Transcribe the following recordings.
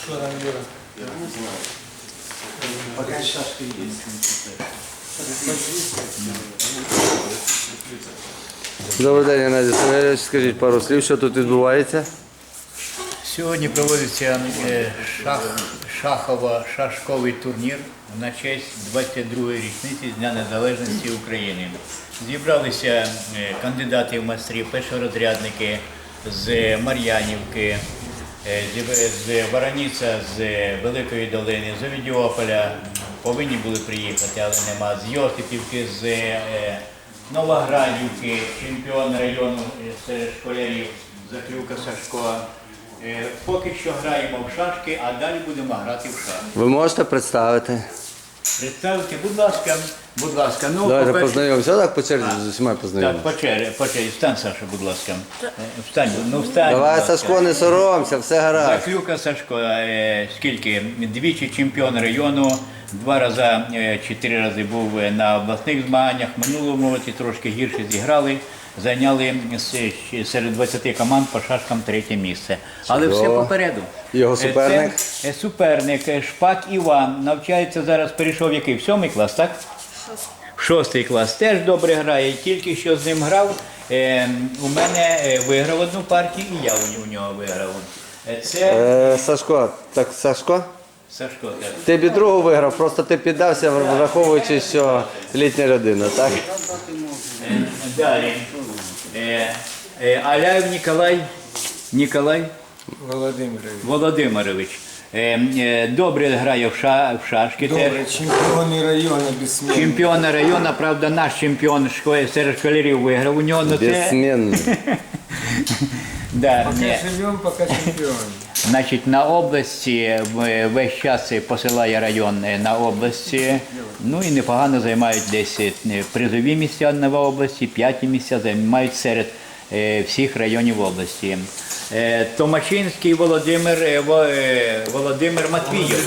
Что там, Юра? Пока шашки есть. Добрий день, Геннадій Семенович. Скажіть пару слів, що тут відбувається? Сьогодні проводиться шашковий турнір на честь 22-ї річниці Дня Незалежності України. Зібралися кандидати в майстри, першорозрядники з Мар'янівки, з Вороніця, з Великої Долини, з Овідіополя. Повинні були приїхати, але нема. З Йосипівки, з Новоградівки, чемпіон району серед школярів Заклюка Сашко. Поки що граємо в шашки, а далі будемо грати в шашки. Ви можете представити? Представте, будь ласка, будь ласка. Ну, Давайте по-перше- познайомимося. Так, по черзі з усіма Так, познайомимося. по черзі. Встань, Саша, будь ласка. Встань, ну встань. Давай, будь ласка. Сашко, не соромся, все гаразд. Заклюка Сашко, скільки? Двічі чемпіон району, 2 рази, 4 рази був на обласних змаганнях. Минулому році трошки гірше зіграли, зайняли серед 20 команд по шашкам 3-є місце. Але все Чудово. попереду. Його суперник? Це суперник Шпак Іван. Навчається зараз, перейшов в який? В 7-й клас, так? В 6-й клас. Теж добре грає. Тільки що з ним грав, у мене виграв одну партію і я у нього виграв. Це Сашко, так, Сашко? Сашко. Так. Ти б і другу виграв, просто ти піддався, враховуючи, що літня людина, так? Далі. Аляєв Ніколай Володимирович. Добре грає в шашки. Добрый, чемпионы района бессмертный. Чемпіон району, правда, наш чемпіон серед школярів виграв у нього. Безсменний. Да, Пока живем, пока чемпионы. Значить, на області весь час посилає район на області. Ну і непогано займають десь призові місця на області, 5-ті місця займають серед всіх районів області. Томачинський Володимир Матвійович.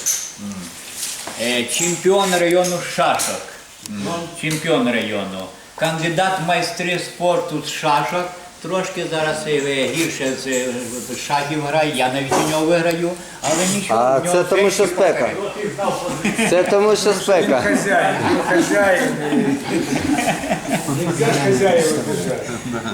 Чемпіон району шашок. Чемпіон району. Кандидат в майстри спорту з шашок. Трошки зараз гірше з шахів грає, я навіть у нього виграю, але нічого. А в нього це тому, що ще спека. Це тому, що спека. Хозяин, хозяин. Нельзя хозяева бежать.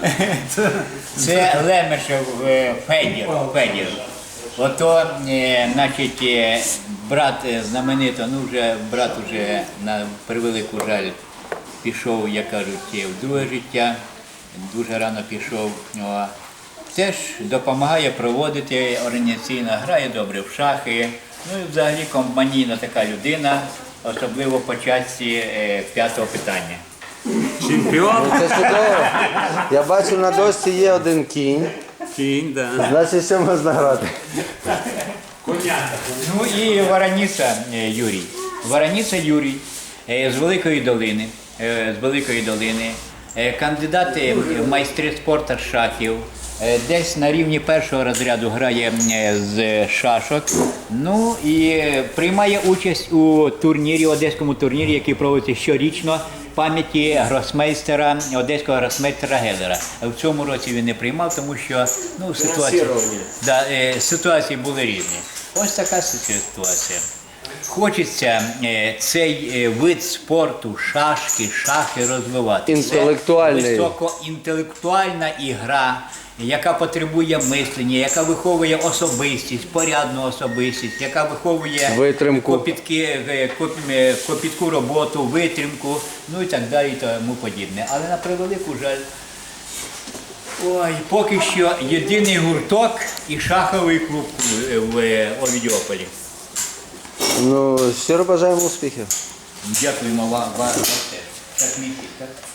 Це Лемешев Федір. Ото, значить, брат знаменито, ну вже брат уже на превелику жаль пішов, як кажуть, в друге життя. Дуже рано пішов. Теж допомагає проводити організаційно, грає добре в шахи. Ну і взагалі компанійна така людина, особливо по часті 5-го питання. Чемпіон? Це чудово. Я бачу, на дошці є один кінь. Кінь, да. Значить, що можна грати? Ну і Вороніця Юрій. Вороніця Юрій з Великої Долини. Кандидат в майстри спорту з шахів. Десь на рівні 1-го розряду грає з шашок. Ну і приймає участь у турнірі, одеському турнірі, який проводиться щорічно пам'яті гросмейстера, одеського гросмейстера Гелера. В цьому році він не приймав, тому що ситуації були різні. Ось така ситуація. Хочеться цей вид спорту, шахи розвивати. Інтелектуальний. Це високоінтелектуальна ігра, яка потребує мислення, яка виховує особистість, порядну особистість, яка виховує Витримку. копітку роботу, витримку, ну і так далі, і тому подібне. Але на превелику жаль, поки що єдиний гурток і шаховий клуб в Овідіополі. Ну, щиро бажаємо успіхів. Дякуємо вам теж. Так, мій хід, так?